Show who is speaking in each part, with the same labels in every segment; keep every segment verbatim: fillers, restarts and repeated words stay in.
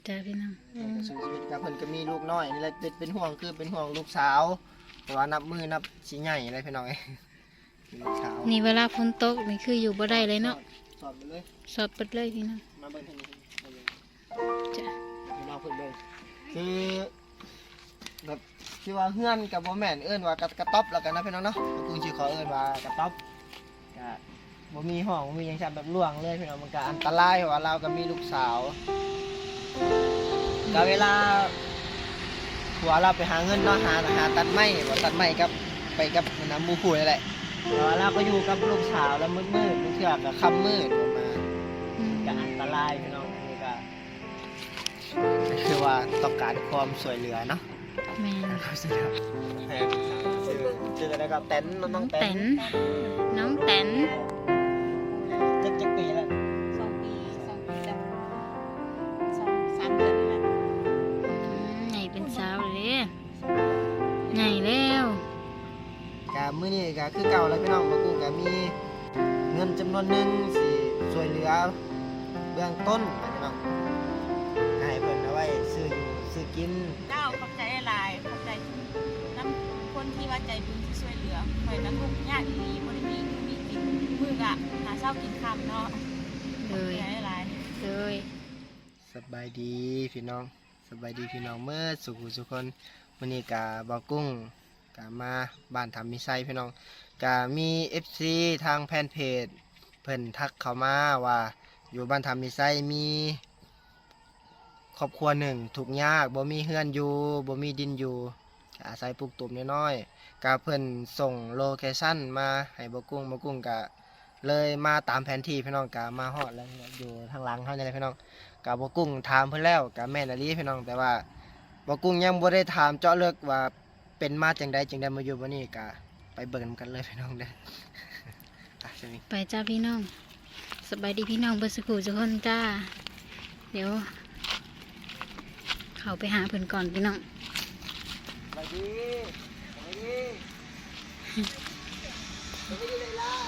Speaker 1: จ้าพี่น้อง
Speaker 2: เพิ่นก็สู้ชีวิตกับเพิ่นก็มีลูกน้อยนี่แหละเป็นเป็นห่วงคือเป็นห่วงลูกสาวแต่ว่านับมือนับสิใหญ่อะไรพี่น้องเอ้ยมีลูกสาว
Speaker 1: นี่เวลาฝนตกนี่คืออยู่บ่ได้เลยเนาะ
Speaker 2: สอบไปเลย
Speaker 1: สอดเปิดเลยพี่น้อง
Speaker 2: มาเบิ่งทางนี้มาเบิ่ง
Speaker 1: จ้า
Speaker 2: พี่น้องเพิ่นเบิ่งคือแบบที่ว่าเฮือนกับบ่แม่นเอิ้นว่ากระกระต๊อบแล้วกันนะพี่น้องเนาะกูสิขอเอิ้นว่ากระต๊อบก็บ่มีห้องบ่มีหยังซั่นแบบล่วงเลยพี่น้องมันก็อันตรายเพราะว่าเราก็มีลูกสาวก็เวลาผัวเราไปหาเงินเนาะหาหาตัดไม้บ่ตัดไม้กับไปกับน้ำหมู่ผู้นี่แหละแต่ว่าเราก็อยู่กับลูกสาวแล้วมืดๆบางเทื่อก็ค่ำมืดออกมา
Speaker 1: อืม
Speaker 2: ก็อันตรายพี่น้องนี่ก็ก็คือว่าต้องการความสวยเหลือเนาะ
Speaker 1: แม่น
Speaker 2: เขาเสียแพงชื่อชื่ออะไรครับเต็นน้
Speaker 1: น้
Speaker 2: อ
Speaker 1: อง ง
Speaker 2: เต็
Speaker 1: แต
Speaker 2: น
Speaker 1: นน้องแตน
Speaker 2: เจ็ดเจ็ดปีแล้ว
Speaker 3: สองปีสองปีกับสองสามเดือนนี่แหละ
Speaker 1: อืมใหญ่เป็นสาวเลยใหญ่แล้ว
Speaker 2: กะมื้อนี้ก็คือเก่าแล้วพี่น้องบ่กูก็มีเงินจำนวนหนึงสิช่วยเหลือเบื้องต้นนะพี่น้องให้เพิ่นเอาไว้ซื้ออยู่ซื้อกิน
Speaker 3: เจ้าขอบใจหลายขอบใจน้ำคนที่ว่าใจบุญที่ช่วยเหลือคอยน้ำทุกข์ยากอีหลีบ่ได้มีคือมีกินมื้อกะหาเช้ากินค่ำเนาะ
Speaker 1: เล
Speaker 3: ขอบ
Speaker 1: ย
Speaker 3: ใจหลาย
Speaker 1: เลย
Speaker 2: สบายดีพี่น้องสบายดีพี่น้องเมื่อสุขสุขคนวันนี้กาบากุ้งกามาบ้านทำมิไซพี่น้องกามี เอฟ ซี ทางแฟนเพจเพิ่นทักเข้ามาว่าอยู่บ้านทำมิไซมีครอบครัวหนึ่งถูกข์ยากบ่มีเฮือนอยู่บ่มีดินอยู่ก็อาศัยปลูกตุ่มน้อยๆกาเพิ่นส่งโลเคชั่นมาให้บากุ้งบากุ้งกะเลยมาตามแผนที่พี่น้องกามาฮอดแล้วอยู่ทางหลังเฮานี่แหละพี่น้อง กับบกุ้งถามเพิ่นแล้วกับแม่นอลีพี่น้องแต่ว่าบกุ้งยังบ่ได้ถามเจาะลึกว่าเป็นมาจังใดจึงได้มาอยู่บ่นี้ก็ไปเบิ่งกันเลยพี่น้องเด้อ อ่ะจะมี
Speaker 1: ไปจ้าพี่น้องสบายดีพี่น้องเบอร์สกูทุกคนจ้าเดี๋ยว เขาไปหาเพิ่นก่อนพี่น้อง
Speaker 2: สวัสดีสวัสดีสวัสดีเลยล่ะ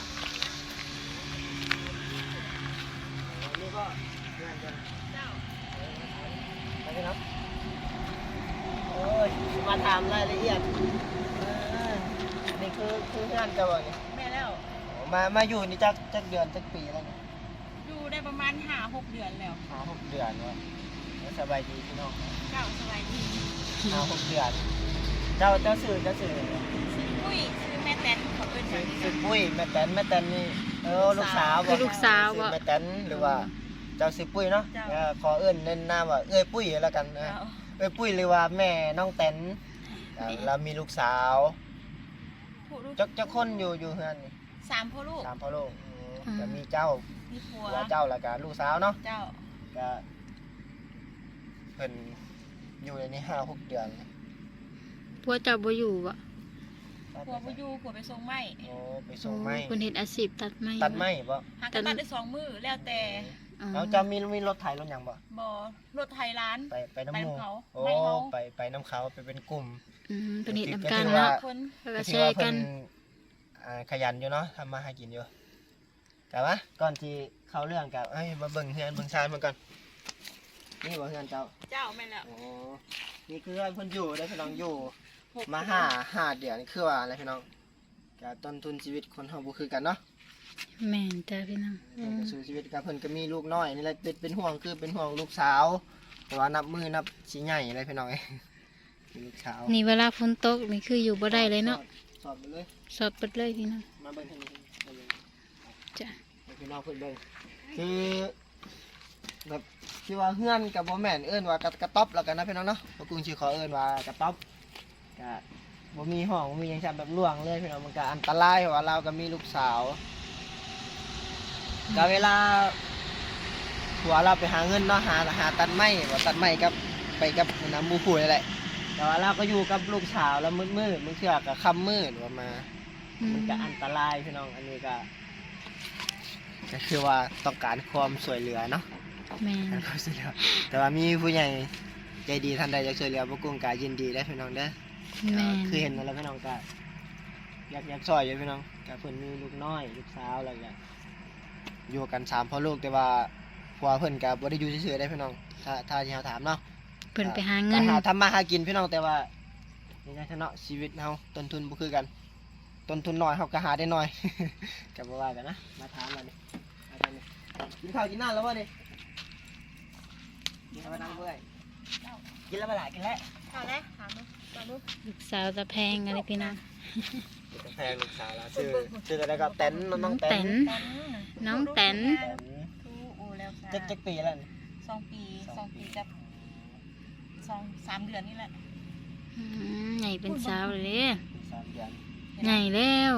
Speaker 2: วันนี้ก็เพื่อนกัน
Speaker 3: เจ้า
Speaker 2: ไปพี่น้องโอ้ยมาถามรายละเอียดเออนี่คือคือเพื่อนเจ้าบ่นี่
Speaker 3: แม่แล้ว
Speaker 2: มา มาอยู่นี่จักจักเดือนจักปีแล้วเนี่ย
Speaker 3: อยู่ได้ประมาณห้าหกเดือนแล้ว
Speaker 2: ห้าหกเดือนวะสบายดีพี่น้อง
Speaker 3: เจ้าสบายดี
Speaker 2: ห้าหกเดือน เจ้าเจ้าสื่อเจ้าสื่อ
Speaker 3: ชื่อปุ้ยชื่อแม่แตนเขาเป็นแบบนี้
Speaker 2: สื่อปุ้ยแม่แตนแม่แตนนี่เออลูกสาว
Speaker 1: คือลูกสาว
Speaker 2: สื่อ
Speaker 1: บ่
Speaker 2: แม่แตนหรือว่าเจ้าสื่อปุ้ยเนาะเออขอเอื้นเน้นหน้าว่าเอ้ยปุ้ยแล้วกันนะ
Speaker 3: เจ้า
Speaker 2: เอ้ยปุ้ยหรือว่าแม่น้องแตนอ่าเรามีลูกสาว
Speaker 3: ผู้ลูก
Speaker 2: จักจักคนอยู่อยู่เฮือนนี่
Speaker 3: สามพ่อลูก
Speaker 2: สามพ่อลูกอืมก็มีเจ้า
Speaker 3: มีผัว
Speaker 2: ผัวเจ้าแล้วก็ลูกสาวเนาะ
Speaker 3: เจ้า
Speaker 2: ก็เพิ่นอยู่ในนี้ห้าหกเดือน
Speaker 1: พวกเจ้าบ่อยู่บ่
Speaker 3: ผัวไปอยู่ผัวไปส่งไม้
Speaker 2: โอ้ไปส่งไม้
Speaker 1: เพิ่นเฮ็ดอาชีพตัดไม้
Speaker 2: ตัดไม้บ่
Speaker 3: หากันตัดได้สองมือแล้วแต่
Speaker 1: อ๋อ
Speaker 2: แล้วจะมีมีรถไถรถหยังบ่
Speaker 3: บ่รถไทยร้าน
Speaker 2: ไปไปน้ำหมู
Speaker 3: ไปน้ำเขา
Speaker 2: โอ้
Speaker 3: ไม่เขา
Speaker 2: ไปไปน้ำเขาไปเป็นกลุ่ม
Speaker 1: อืมเพิ่นเฮ็ดนำ
Speaker 2: ก็
Speaker 1: กัน
Speaker 2: ถือว่า
Speaker 1: เนาะ
Speaker 3: คน
Speaker 1: แล้วก็
Speaker 2: ก็
Speaker 1: แช
Speaker 2: ถือว่า
Speaker 1: ร์กั
Speaker 2: เพิ่
Speaker 1: น
Speaker 2: นอ่าขยันอยู่เนาะทำมาหากินอยู่แต่ว่าก่อนที่เข้าเรื่องกับเอ้ยมาเบิ่งเฮือนเบิ่งชานมันก่อนนี่บ่เฮือนเจ้า
Speaker 3: เจ้าแม่นแล้ว
Speaker 2: โอ้นี่คือเฮือนเพิ่นอยู่ได้อพี่น้องอยู่
Speaker 3: หก
Speaker 2: มาห้าห้าเดือนนี่คือว่าอะไรพี่น้องก็ต้นทุนชีวิตคนเฮาบ่คือกันเนาะ
Speaker 1: แม่นจ้าพี่น้องอื
Speaker 2: เพิ่น
Speaker 1: ม
Speaker 2: ก็สู้ชีวิตกับเพิ่นก็มีลูกน้อยนี่แหละเป็นเป็นห่วงคือเป็นห่วงลูกสาวแต่ว่านับมือนับสิใหญ่อะไรพี่น้องเอ้ยมีลูกสาว
Speaker 1: นี่เวลาฝนตกนี่คืออยู่บ่ได้เลยเนาะ
Speaker 2: สอบไปเลย
Speaker 1: สอดเปิดเลยพี่น้อง
Speaker 2: มาเบิ่งทางนี้มาเบิ่ง
Speaker 1: จ้า
Speaker 2: ให้พี่น้องเพิ่นเบิ่งคือแบบที่ว่าเฮือนกับบ่แม่นเอิ้นว่ากระกระต๊อบแล้วกันนะพี่น้องเนาะบ่กุ้งสิขอเอิ้นว่ากระต๊อบก็บ่มีห้องบ่มีหยังซั่นแบบล่วงเลยพี่น้องมันก็อันตรายเพราะว่าเราก็มีลูกสาวก็เวลาผัวเราไปหาเงินเนาะหาหาตัดไม้บ่ตัดไม้กับไปกับน้ำหมู่ผู้นี่แหละ แต่ว่าเราก็อยู่กับลูกสาวแล้วมืดมืดๆบางเทื่อก็ค่ำมืดว่ามา
Speaker 1: อื
Speaker 2: มันก็อันตรายพี่น้องอันนี้ก็ก็คือว่าต้องการความสวยเหลือเนาะ
Speaker 1: แม่น
Speaker 2: การความสวยเหลือแต่ว่ามีผู้ใหญ่ใจดีท่านใดอยากช่วยเหลือพวกกุ้งกายินดีได้พี่น้องเด้อ
Speaker 1: แม่น
Speaker 2: คือเห็นมาแล้วพี่น้องก็อยากอยากช่วยอยู่พี่น้องก็เพิ่นมีลูกน้อยลูกสาวอะไรอย่างอยู่กันสามพ่อลูกแต่ว่าผัวเพิ่นก็บ่ได้อยู่เฉยๆได้พี่น้องถ้าถ้าที่เฮาถามเนาะ
Speaker 1: เพิ่นไปหาเงิน
Speaker 2: ไปหาทำมาหากินพี่น้องแต่ว่านี่ไงเนาะชีวิตเฮาต้นทุนบ่คือกันต้นทุนน้อยเฮาก็หาได้น้อย ก็บ่ว่ากันนะมาถามแล้วนี่มาทางนี้กินข้าวกินน้ำแล้วบ่นี่กินแล้วบ่ดังเบื่อยกินแล้วบ่ล่ะกินแล้ว
Speaker 3: ถามแล้วถามดูถามดู
Speaker 1: ลูกสาวตะแพงอะไรพี่น้อง
Speaker 2: แพงลูกสาวแล้วชื่อชื่ออะไรก็แตนน้องแต
Speaker 1: แต
Speaker 2: น
Speaker 1: น น้องแตน
Speaker 2: แตน
Speaker 3: ทูโอแล้ว
Speaker 2: จักจักปีแล้วนี่
Speaker 3: สองปีสองปีกับสองสามเดือนนี่แหละ
Speaker 1: อืมใหญ่เป็นสาวเลยเด้
Speaker 2: สามเดือน
Speaker 1: ใหญ่แล้ว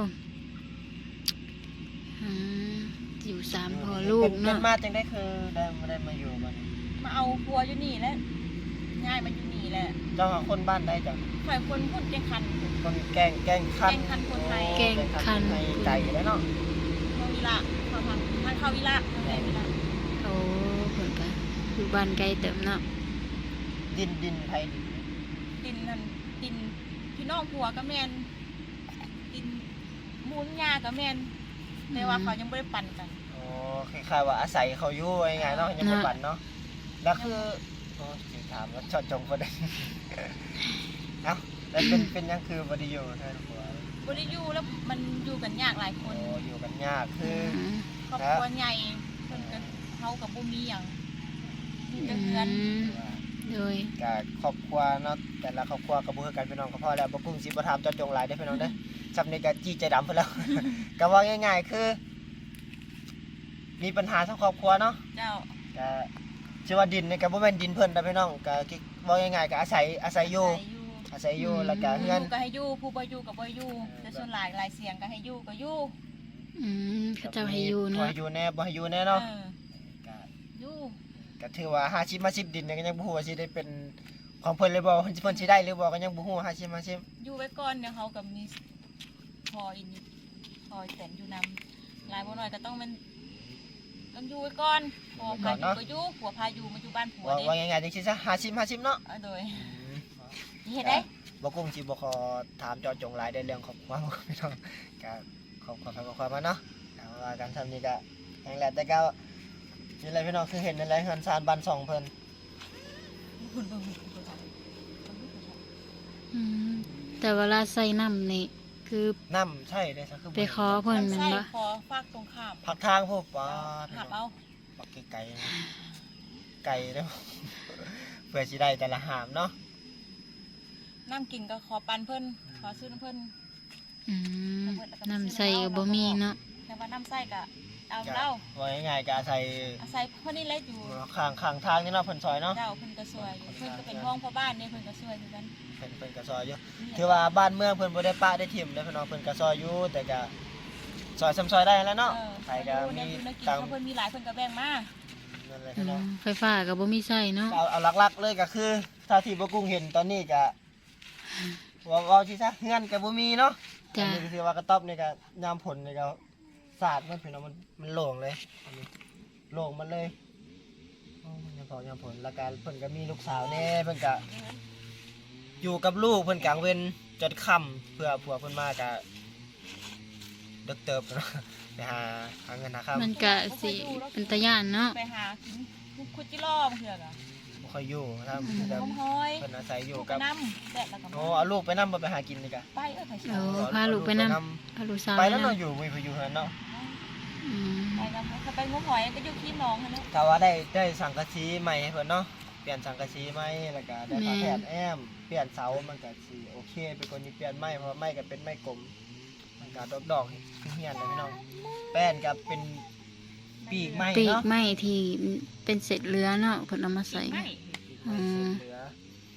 Speaker 1: อืมอยู่สามพ่อลูก
Speaker 2: เป็น
Speaker 1: เนาะ
Speaker 2: มาจังได้คือได้มาได้มาอยู่บ้าน
Speaker 3: มาเอาพัวอยู่นี่แหล้วง่ายมาอยู่นี่แหละ
Speaker 2: เจ้าคนบ้านได้จัง
Speaker 3: ฝ่ายคนพูดแกงคัน
Speaker 2: คนแกงแกงคัน
Speaker 3: แกงคันคนไทย
Speaker 1: แกงคัน
Speaker 2: ไทยไก่แล้วเนาะ
Speaker 3: เขาวิละเขาทำทางเขาวิละทางไหนวิละ
Speaker 1: โอ้เพิ่นก็อยู่บ้านไกลเติมเนาะ
Speaker 2: ดินดินไทยดิน
Speaker 3: ดินนั่นดินพี่น้องผัวก็แมนดินมูลยาก็แมนแต่ว่าเขายังไม่ได้ปั่นกัน
Speaker 2: อ๋อคล้ายๆว่าอาศัยเขาอยู่ยังไงเนาะยังไม่ปั่นเนาะแล้วคือโอ้สิถามว่าชอดจงก็ได้ เอ้าแล้วเป็นเป็นยังคือบไดิอยู่ใช่ไหมผัว
Speaker 3: บริยูแล้วมันอยู่กันยากหลายค
Speaker 2: โอ้
Speaker 3: น
Speaker 2: อยู่กันยากคือ
Speaker 1: อืม
Speaker 3: ครอบครัวใหญ่เพิ่นก็เฮากับบ่มีหยังมีแต่เงิน
Speaker 1: อืมโดย
Speaker 2: กับครอบครัวเนาะแต่ละครอบครัวก็บ่คือกันพี่น้องก็พอแล้วบ่กุ้งสิบ่ถามเจอจงหลายเด้อพี่น้องเด้อซับนี้ก็จี้ใจดำเพิ่นแล้ว ก็ว่าง่ายๆคือ มีปัญหาทั้งครอบครัวเนาะ
Speaker 3: เจ้า
Speaker 2: ก็ชื่อว่าดินนี่ก็บ่แม่นดินเพิ่นนะพี่น้องก็คิดว่าง่ายๆก็อาศัยอาศัยอยู่
Speaker 3: ใส่อยู่
Speaker 2: อาศัยอยู่แล้วก็
Speaker 3: ผู้
Speaker 2: เฮือน
Speaker 3: อยู่ก็ให้อยู่ผู้บ่อยู่ก็บ่อยู่แต่ส่วนหลายหลายเสียงก็ให้อยู่ก็อยู่
Speaker 1: อืมเขาเจ้าให้อยู่
Speaker 2: บ่
Speaker 1: เนาะ
Speaker 2: ให้อยู่แน่บ่ให้อยู่แน่เนาะ
Speaker 3: เออ
Speaker 2: ก็
Speaker 3: อยู่
Speaker 2: ก็ถือว่าห้าสิบมาสิบดินเนี่ยก็ยังบ่ฮู้ว่าสิได้เป็นของเพิ่นเลยบ่เพิ่นเพิ่นสิได้หรือบ่ก็ยังบ่ฮู้ห้าสิบมาสิบ
Speaker 3: อยู่ไว้ก่อนเดี๋ยวเฮาก็มีพออีนี่พอแต่นอยู่นำหลายบ่น้อยก็ต้องมันต้องอยู่ไว้ก่อนพอพาอยู่ก็อยู่ผัวพาอยู่มาอยู่บ้านผัว
Speaker 2: ว่า
Speaker 3: เด้
Speaker 2: ว่าง่ายๆจังซี่ซะห้าสิบ ห้าสิบเนาะ
Speaker 3: เอาโดย
Speaker 2: อืม
Speaker 3: เฮ็ดได้
Speaker 2: บ่กุ้งสิบ่ขอถามเจอจงหลายในเรื่องครอบครัวพี่น้องก็ขอบขอฟังความมาเนาะเอาว่ากันทำนี้ก็แห่งแหละแต่ก็นี่แหละพี่น้องคือเห็นนั่นแหละเฮือนซานบ้านสองเพิ่น
Speaker 3: คุณเบิ่งคุณเบิ่งครับ
Speaker 1: อืมแต่เวลาใส่น้ำนี่คือ
Speaker 2: น้ำใช่เด้ซะคือ
Speaker 1: ไปขอเพิ่นแม่น
Speaker 3: ใส่
Speaker 1: บ่
Speaker 3: พอฝากตรงข้าม
Speaker 2: ผักทางพวกปลา
Speaker 3: หับเอา
Speaker 2: ปักไก่ไก่เด้อ เพื่อสิได้แต่ละหามเนาะ
Speaker 3: น้ำกินก็ขอปันเพิ่นขอซื้อน้ำเพิ่น
Speaker 1: อืมน้ำใส่ก็บ่มีเนาะ
Speaker 3: แต่ว่าน้ำใส่ก็เอาเหล้า
Speaker 2: ว่าง่ายๆก็อาศัย
Speaker 3: อาศัยเพิ่นนี่แหละอยู่
Speaker 2: ข้างข้างทางนี่เนาะเพิ่นซอยเนาะ
Speaker 3: เจ้าเพิ่นก็สวยอยู่เพิ่นก็เป็นห้องพ่อบ้านเนี่ยเพิ่นก็สวยอยู่กัน
Speaker 2: เพิ่นเพิ่นก็ซอยอยู่ถือว่าบ้านเมืองเพิ่นบ่ได้ปะได้ถิ่มเด้อพี่น้องเพิ่นก็ซอยอยู่แต่ก็ซอยซ้ำซอยได้แล้วเนาะ
Speaker 3: เออ
Speaker 2: ใครก็มี
Speaker 3: เพิ่นกิน
Speaker 2: ตาม
Speaker 3: เขาเพิ่นมีหลายเพิ่นก็แบ่งมา
Speaker 2: นั่นแหละ
Speaker 1: อื
Speaker 2: พี่น้อง
Speaker 1: มไฟฟ้าก็บ่มีใส่เนาะ
Speaker 2: เอาเอาหลักๆเลยก็คือถ้าที่บ่กุ้งเห็นตอนนี้ก็ว่าเว้าสิซะเฮือนก็บ่มีเนาะ
Speaker 1: จ้ะ
Speaker 2: อันนี้ก็คือว่ากระต๊อบนี่ก็ยามผลนี่ก็สาดมันพี่น้องมันมันโล่งเลยอันนี้โล่งมันเลยโอ้ยามพอยามผลแล้วก็เพิ่นก็มีลูกสาวแน่เพิ่นก็อยู่กับลูกเพิ่นกลางเว้นจนค่ำเพื่อผัวเพิ่นมาก็ดึกเติบเนาะไปหาหาเงินหาข้าว
Speaker 1: มันก็สิเป็นตาย่านเนาะ
Speaker 3: ไปหากินคุดจิล่อมาเถื่อกอ่ะ
Speaker 2: บ่ค่อยอยู่ครับ
Speaker 1: อืม
Speaker 2: เพิ่น
Speaker 3: หอมห้อย
Speaker 2: เพิ่นอาศัยอยู่
Speaker 3: ลูก
Speaker 2: กับ
Speaker 3: น้ำแดดแล้วก็
Speaker 2: โอ้เอาลูกไปนำบ่ไปหากินนี่ก็
Speaker 3: ไปเอ้ยไผเชีย
Speaker 1: โอ้
Speaker 3: ว
Speaker 1: พาลูกไปนำ
Speaker 2: เอา
Speaker 1: พาลูกสาว
Speaker 2: ไป
Speaker 1: ไป
Speaker 2: แล้ว
Speaker 1: นำ
Speaker 2: เนาะอยู่วิพอยู่เฮือนเนาะ
Speaker 1: อืม
Speaker 3: ไปกันถ้าไปงมหอยก็อยู่ที่หน้องหั่นแหละ
Speaker 2: ถ้าว่าได้ได้สังกะสีใหม่ให้เพิ่นเนาะเปลี่ยนสังกะสีใหม่แล้วก็ได้ผ้าแถบแอมเปลี่ยนเสามันก็สิโอเคเป็นคนที่เปลี่ยนไม้เพราะว่าไม้ก็เป็นไม้กลมมันก็ดอกๆเฮียนเลยพี่น้องแป้นก็เป็นปีกไม้
Speaker 1: ปีก
Speaker 2: เนาะ
Speaker 1: ไม้ที่เป็นเศษเรือเนาะเพิ่นเอามาใส่
Speaker 3: ไม่
Speaker 1: อืม
Speaker 2: เหลือ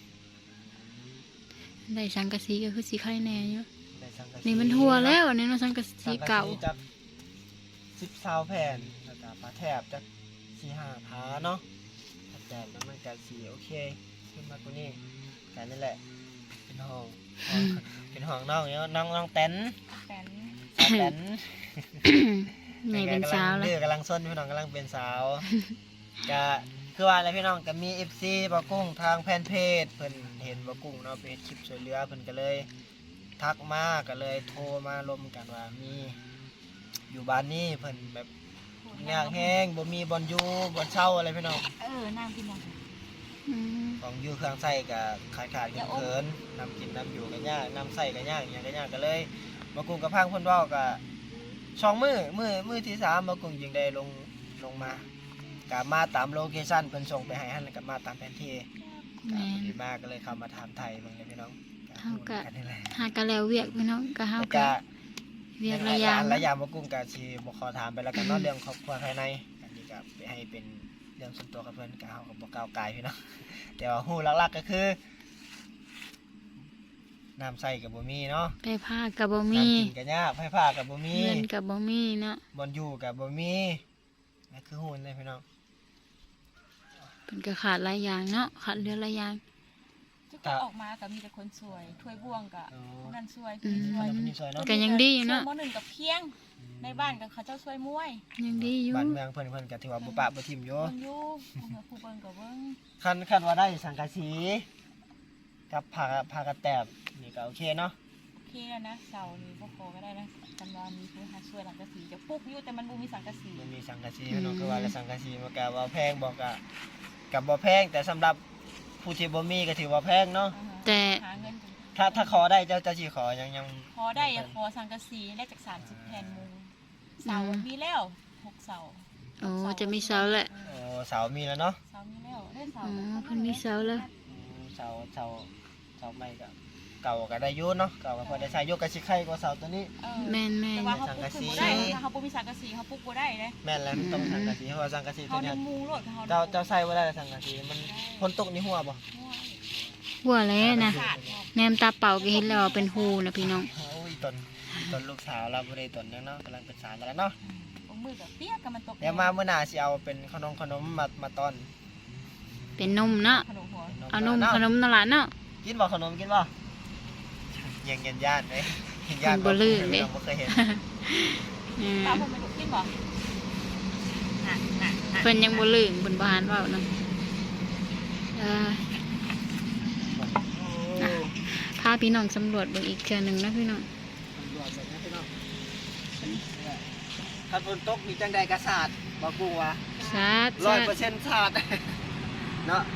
Speaker 1: ได้สังกะสีก็คือสีไข่แน่อยู่
Speaker 2: ได้สังกะสี
Speaker 1: นี่มันทั่วแล้วอันนี้เนาะสังกะสีเก่า
Speaker 2: สังะจักสิบเสาแผ่นแล้วก็ผ้าแถบจักสี่ห้าผ้าเนาะผ้าแถบแล้วมันก็สีโอเคขึ้นมากว่านี้กันนั่นแหละเป็นห้องห้องเป็นห้องน้องเนาะน้องน้องเต็น
Speaker 3: แตน
Speaker 2: สาวเต็น
Speaker 1: ใหญ่เป็นสาวแล้ว
Speaker 2: เดือกำลังส้นพี่น้องกำลังเป็นสาว ก็คือว่าอะไรพี่น้องก็มี เอฟ ซี บ่กุ้งทางแฟนเพจเพิ่นเห็นบ่กุ้งเนาะเป็นคลิปช่วยเหลือเพิ่นก็เลย ทักมาก็เลยโทรมาลมกันว่ามีอยู่บ้านนี้เพิ่นแบบยากแห้งบ่มีบ่อนอยู่บ่อนเช่าอะไรพี่น้อง
Speaker 3: เออน้ำกินยัง
Speaker 2: ก
Speaker 1: อืม
Speaker 2: ของอยู่เครื่องใส่ก็ขาดขาดเขินๆนำกินนำอยู่ก็ยากนำใส่ก็ยากอย่างก็ยากก็เลยบ่กุ้งกับพังเพิ่นเว้าก็สองมื้อมื้อมื้อที่สามบ่กุ้งจึงได้ลงลงมาก็มาตามโลเคชั่นเพิ่นส่งไปให้หั่นแล้วก็มาตามแผนที่
Speaker 1: แม่
Speaker 2: ก็
Speaker 1: น
Speaker 2: ดีมากก็เลยเข้ามาถามไทยเบิ่งเลยพี่น้อง
Speaker 1: เฮาก็
Speaker 2: กันนี่แหละ
Speaker 1: หากันแล้วเวียกพี่น้องก็เฮา
Speaker 2: แล้ว
Speaker 1: ก็
Speaker 2: ก็
Speaker 1: เวียกระยะ
Speaker 2: ระยะบ่กุ้งก็สิบ่ขอถามไปแล้วกันเนาะเรื่องครอบครัวภายในอันนี้ก็ไปให้เป็นเรื่องส่วนตัวกับเพิ่นก็เฮาก็บ่ก้าวไกลพี่น้อง แต่ว่าฮู้หลักๆก็คือน้ำใส่ก็บ่มีเนาะ
Speaker 1: ไปพาก็บ่มี
Speaker 2: น้ำกินก็ยากไฟฟ้าก็บ่มี
Speaker 1: เงินก็บ่มีเนาะ
Speaker 2: บ่อนอยู่ก็บ่มีนั่นคือฮู้เลยพี่น้อง
Speaker 1: เพิ่นก็ขาดหลายอย่างเนาะขาดเหลือหลายอย่าง
Speaker 3: ทุกคนออกมาก็มีแต่คนสวยถ้วยบ่วงก็ผู้นั้นสวย
Speaker 1: อื
Speaker 3: ผู้
Speaker 1: ม
Speaker 3: นี้สวย
Speaker 2: คนนี้สวยเนาะ
Speaker 1: ก็ยังดีอยู่เนาะ
Speaker 3: ช่วมหนึ่งกับเพียงในบ้านกับเขาเจ้าช่วยมวย
Speaker 1: ยังดีอยู่
Speaker 2: บ้านเมืองเพิ่นเพิ่นก็ถือว่าบ่ปะบ่ทิ่มอยู่
Speaker 3: เบิ่งอยู่ผู้เบิ่งกับเบิ่ง
Speaker 2: คันคันว่าได้สังกะสีกับผ้าผ้ากระแตบนี่ก็โอเคเนาะ
Speaker 3: โอเคแล้วนะเสานี่พวกโคก็ได้นะกันว่ามีผู้หาช่วยหลังกะสีจะปลุกอยู่แต่มันบ่มีสังกะสี
Speaker 2: มันมีสังกะสีพี่น้องคือว่าแล้วสังกะสีมันก็บ่แพงบ่ก็ก็บ่แพงแต่สำหรับผู้ที่บ่มีก็ถือว่าแพงเนาะ
Speaker 3: อ่าฮะ
Speaker 1: แต่
Speaker 3: หาเงินกัน
Speaker 2: ถ้าถ้าขอได้เจ้าเจ้าสิขอยังยัง
Speaker 3: พอได้อะขอสังกะสีได้จากสามสิบแผ่นมุงเสามีแล้วหกเสา
Speaker 1: โอ้จะมีเสาแหละ
Speaker 2: โอ้เสามีแล้วเนาะ
Speaker 3: เสามีแล้วได้เสา
Speaker 1: อ๋อเพิ่นมีเสาแล้ว
Speaker 2: อืมเสาเสาเสาใหม่ก็เก่าก็ได้อยู่เนาะเก่าก็พอได้ใช้ยกกะสิไข่กว่าเสาตัวนี้
Speaker 3: เออ
Speaker 1: แม่นแม่น
Speaker 3: แต่ว่าเขาปลุกขึ้นบ่ได้ถ้าเขาบ่มีสังกะสีเขาปลุกบ่ได้เลย
Speaker 2: แม่นแล้วต้องสังกะสีเพราะว่าสังกะสี
Speaker 3: เขา
Speaker 2: ตัว
Speaker 3: ใน
Speaker 2: เนี้ย
Speaker 3: มุงโลดเขา
Speaker 2: เจ้าเจ้าใส่บ่ได้สังกะสีมันฝนตกนี่หัวบ่
Speaker 1: หัวแล้วนะ
Speaker 3: ขาด
Speaker 1: แนมตาเป่าก็เห็นแล้วว่าเป็นหูนะพี่น้อง
Speaker 2: โอ้ยตนตนลูกสาวเราบ่ได้ตนยังเนาะกำลังเป็นสาวกันแล้วเนาะ
Speaker 3: บางมือกับเปียกกับมันตก
Speaker 2: เดี๋ยวมาเมื่อหน้าสิเอาเป็นขนมขนมมามาตอน
Speaker 1: เป็นนมเนาะ
Speaker 3: ขนมหัว
Speaker 1: เอานมขนมนั่นล่ะเนาะ
Speaker 2: กินบ่ขนมกินบ่ยังยันย่านเด้ยันย่าน
Speaker 1: มันบ่ลื่นเด้
Speaker 2: บ่เคยเห็น
Speaker 1: อืม
Speaker 3: ป้าผมไม่ถูกกินบ่น่ะน่ะน่ะ
Speaker 1: เพิ่นยังบ่ลืมเพิ่นบ่หันเว้านํเออพาพี่น้องสำรวจเบิ่งอีกเทื่อหนึงนะพี่น้อง
Speaker 2: ตำรวจแบบนี้พี่น้องถ้าฝนตกมีจังใดกระสาดบ่กูว่า
Speaker 1: สาด
Speaker 2: ร้อ
Speaker 1: สาย ด
Speaker 2: เปอร์เซ็นต์สาด เนาะ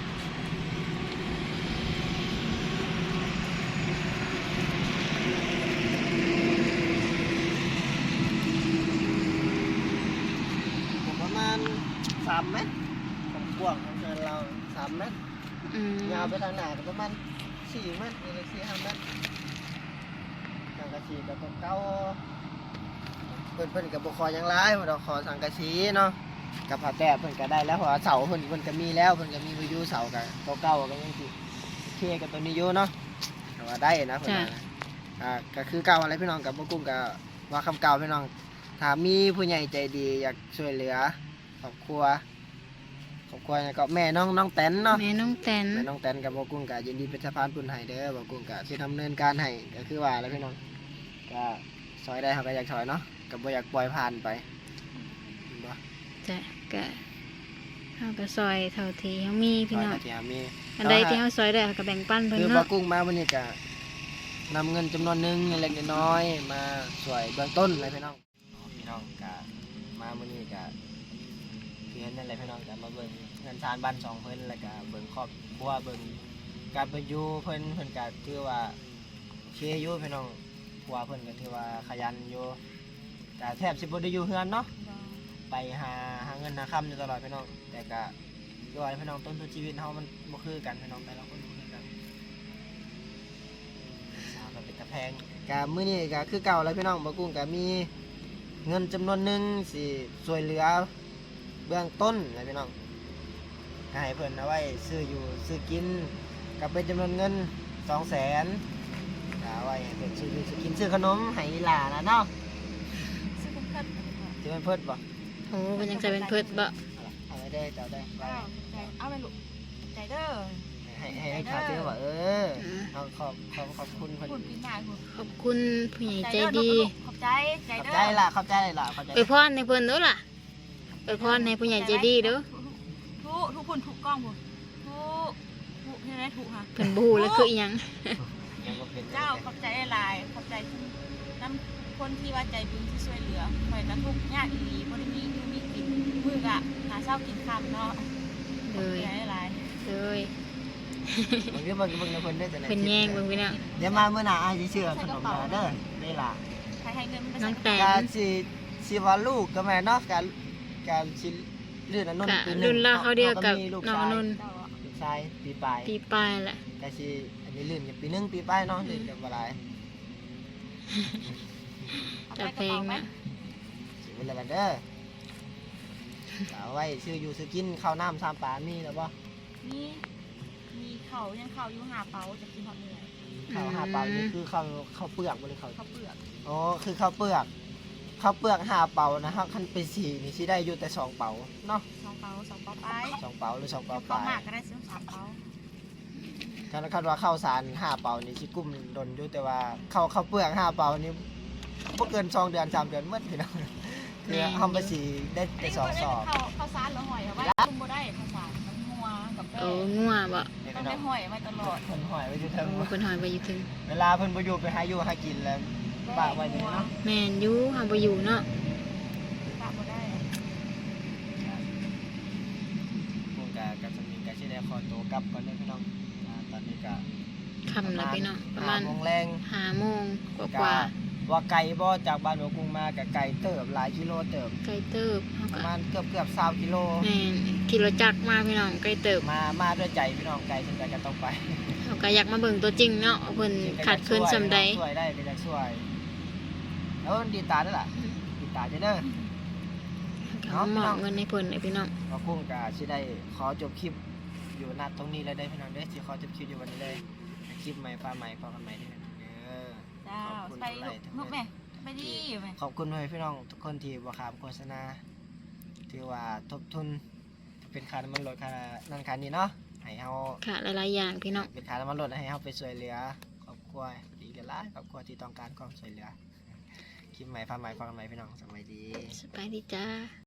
Speaker 2: ประมาณสามเมตรของกว้างของเรือนเราสามเมตร
Speaker 1: อืม
Speaker 2: ยาวไปทางหน้าก็ประมาณสี่เมตรนี่เลยสี่ห้าเมตรสังกะสีกับเก้าเพิ่นเพิ่นกับบุคอยังร้ายเราขอสังกะสีเนาะกับผ้าแตะเพิ่นก็ได้แล้วเพราะว่าเสาเพิ่นเพิ่นก็มีแล้วเพิ่นก็มีวิวเสากับเก้าๆก็ยังสิโอเคกับตัวนี้อยู่เนาะแต่ว่าได้นะเพิ่นว่านะอ่าก็คือเก่าอะไรพี่น้องกับบ่กุ้งก็ว่าคำเก่าพี่น้องถ้ามีผู้ใหญ่ใจดีอยากช่วยเหลือครอบครัวครอบครัวเนี่ยก็แม่น้องน้องแตนเนาะ
Speaker 1: แม่น้องแตน
Speaker 2: แม่น้องแตนกับบ่กุ้งก็ยินดีเป็นสะพานบุญให้เด้อบ่กุ้งก็สิดำเนินการให้ก็คือว่าแล้วพี่น้องก็ซอยได้เฮาก็อยากซอยเนาะก็บ่อยากปล่อยผ่านไปเห็นบ่
Speaker 1: จ้ะก็เฮาก็ซอยเท่าที่เฮามีพี่น้อง
Speaker 2: ซอยก็สิหามี
Speaker 1: อันใดที่เฮาซอยได้เฮาก็แบ่งปันเพิ่น
Speaker 2: คือบ่
Speaker 1: เนาะ
Speaker 2: กุ้งมาวันนี้ก็นำเงินจำนวนหนึงเล็กๆน้อยๆมาช่วยเบื้องต้นเลยพี่น้องพี่น้องก็มาวันนี้ก็คือเห็นนั่นแหละพี่น้องก็มาเบิ่งเงินทานบ้านสองเพิ่นแล้วก็เบิ่งครอบครัวเบิ่งการเป็นอยู่เพิ่นเพิ่นก็ถือว่าโอเคอยู่พี่น้องครัวเพิ่นก็ถือว่าขยันอยู่ก็แทบสิบ่ได้อยู่เฮือนเนาะไปหาหาเงินหาค่ำอยู่ตลอดพี่น้องแต่ก็ด้วยพี่น้องต้นทุนชีวิตเฮามันบ่คือกันพี่น้องแต่ละคนบ่คือกันสาวก็เป็นตะแพงก็มื้อนี้ก็คือเก่าแล้วพี่น้องบ่กุ้งก็มีเงินจำนวนหนึงสิช่วยเหลือเบื้องต้นนะพี่น้องให้เพิ่นเอาไว้ซื้ออยู่ซื้อกินก็เป็นจำนวนเงิน สองแสนเอาไว้ให้เพิ่นซื้ออยู่ซื้อกินซื้อขนมให้หลานนะเนาะ
Speaker 3: ซื้อเป็นเพิ่น
Speaker 2: สิเป็นเพิ่นบ่
Speaker 1: โอ้เพิ่นยังจะเป็นเพิ่นบ่
Speaker 2: เอาไว้ได้เจ้าได้ไว้
Speaker 3: อ้าวใจเอาไปลูกใจเด้อ
Speaker 2: ให้ให้ให้ขาซื้อว่าเออเอาขอบขอบขอบคุณเพิ่น
Speaker 3: คุณปีหน้าคุณ
Speaker 1: ขอบคุณผู้ใหญ่ใจดี
Speaker 3: ขอบใจใจ
Speaker 2: ขอบ
Speaker 3: เด้อ
Speaker 2: ใจล่ะขอบใจล่ะขอบใจ
Speaker 1: อวยพรให้เพิ่นเด้อล่ะอวยพรให้ผู้ใหญ่ใจดีเด้อ
Speaker 3: ทุกทุกคนทุกกล้องคุณทุกทุกเห็นไหมทุกค่ะ
Speaker 1: เพิ่นบ่ฮู้แล้วคืออีหยัง
Speaker 2: ยังบ่เป็น
Speaker 3: เจ้าขอบใจหลายขอบใจน้ำคนที่ว่าใจบุญที่ช่วยเหลือคอยกระทุกยากอีหลีบ่ได้มีอยู่มีกินมือกะหาเช้ากินค่ำเนาะ
Speaker 1: เล
Speaker 3: ขอบ
Speaker 1: ย
Speaker 3: ใจหลาย
Speaker 1: เลย
Speaker 3: ข
Speaker 2: บางทีเบิ่งเบิ่งในเพิ่นได้แต่ใน
Speaker 1: เพิ่นแย่งเบิ่งพี่น้อง
Speaker 2: เดี๋ยวมาเมื่อหน้าอ้ายสิซื้อขนมมาเด้อได้ล่ะ
Speaker 3: ใครให้เงินมันไป
Speaker 1: น้
Speaker 3: ใส่
Speaker 1: อง
Speaker 3: กระ
Speaker 1: แต
Speaker 3: เป๋า
Speaker 1: น
Speaker 2: การสิสิว่าลูกก็แม่เนาะการการสิลื่นอันนั้น
Speaker 1: กะ
Speaker 2: ปีหง
Speaker 1: รุ่นราวเขาเดียวกับ
Speaker 2: มีลูก
Speaker 1: น้อง
Speaker 2: ชาย
Speaker 1: นนท์
Speaker 3: เจ้าอะ
Speaker 2: ลูกชายปีปลาย
Speaker 1: ปีปลายแหละ
Speaker 2: ก็สิอันนี้ลื่นกันปีหนึงปีปลายเนาะลื่นกันบ่หลาย
Speaker 3: เอา
Speaker 1: จะ
Speaker 3: ไป
Speaker 1: เพลง
Speaker 3: กระเป๋าไหม
Speaker 1: นะ
Speaker 2: สิเวลาเด้อเอาไว้ซื้ออยู่ซื้อกินข้าวน้ำสามปลามีแล้วบ่
Speaker 3: มีมีเขายังเขาอยู่หาเป๋าจะกินหอดเหนื่อย
Speaker 2: ข้าวห้าเปล่านี่คือข้าวข้าวเปลือกบ่หรือข้าว
Speaker 3: เขาวเปลือก
Speaker 2: อ๋อคือข้าวเปลือกข้าวเปลือกห้าเปล่านะครับคันไปสี่นี่สิได้อยู่แต่สองเป๋าเนาะ
Speaker 3: สองเป๋าสองเป๋าไป
Speaker 2: สองเป๋าหรือสองเป๋าป
Speaker 3: เขา
Speaker 2: ลาย
Speaker 3: มากก็ได้ซื้อสามเป๋า
Speaker 2: ถ้าคาดว่าข้าวสารห้าเป๋านี่สิกุ้มดนอยู่แต่ว่าข้าวข้าวเปลือกห้าเป๋านี่บ่เกินสองเดือนสามเดือนหมดพี่น้องคือเฮาไปสิได้แต่สองสอบ
Speaker 3: เขาเขาซานหรือหอยเอาไว้คุมบ่ได้เขาซานมันงัวกับแป้
Speaker 1: โอ้
Speaker 3: ง
Speaker 1: งัวบ่
Speaker 2: นี่
Speaker 3: ต้อ
Speaker 2: พี่
Speaker 3: ง
Speaker 2: น้อ
Speaker 3: ได้
Speaker 2: ง
Speaker 3: หอยไว้ตลอด
Speaker 2: เพิ่นห้อยไว้อยู่เทิง
Speaker 1: โอ้เพิ่นหอยไปอยู่ถึง
Speaker 2: เวลาเพิ่นบ่อยู่ไปหาอยู่หากินแล้วปากไว้นี่เนาะ
Speaker 1: แม่นอยู่เฮาบ่อยู่เนาะ
Speaker 3: ปากบ่ได้
Speaker 2: ผมก็ก็สมิงก็สิได้ขอตัวกลับก่อนเด้อพี่น้องอ่าตอนนี้ก็
Speaker 1: ค่ำแล้วพี่น้องประมาณ
Speaker 2: ห้โมงแรง
Speaker 1: ห้าโมงกว่า
Speaker 2: ว่าไกลบ่จากบ้านหัวกรุงมากับไกลเติบหลายกิโลเติบ
Speaker 1: ๆไกลเติบเฮา
Speaker 2: ประ
Speaker 1: ก็
Speaker 2: มาณเกือบเกือบ20กิโล
Speaker 1: แม่นขี่รถจักรมาพี่น้องไกลเติบ
Speaker 2: มามาด้วยใจพี่น้องไกลจนใจก็ต้องไป
Speaker 1: เฮาก็อยากมาเบิ่งตัวจริงเนาะว่าเพิ่นขาดเคินซำใด
Speaker 2: ช่วยได้ก็จะช่วยแล้วดีตาด้วยล่ะดีตาจะเด้อ
Speaker 1: เขามอบเงินให้เพิ่นให้พี่น้อง
Speaker 2: หัวกรุงก็สิได้ขอจบคลิปอยู่ณตรงนี้แล้วได้อพี่น้องเด้อสิขอจบคลิปอยู่วันนี้เลยคลิปใหม่ฟ้าใหม่พอกันใหม่เด้อเด้อ
Speaker 3: เจ้า
Speaker 2: ขอบคุณ
Speaker 3: ไป
Speaker 2: ทุกไลค์ทุก
Speaker 3: ลูก
Speaker 2: เม็
Speaker 3: แม่
Speaker 2: ด
Speaker 3: ไปดีแม่
Speaker 2: ขอบคุณให้พี่น้องทุกคนที่บ่ขามโฆษณาถือว่าทบทุนเป็นค่าน้ำมันรถค่านั่นค่านี้เนาะให้เฮา
Speaker 1: ค่ะหลายๆอย่างพี่น้อง
Speaker 2: เป็นค่าน้ำมันรถให้เฮาไปช่วยเหลือครอบครัวดีกันหลายครอบครัวที่ต้องการความช่วยเหลือคลิปใหม่ฟ้าใหม่ฟังกันใหม่พี่น้องสวัสดี
Speaker 1: สบายดีจ้า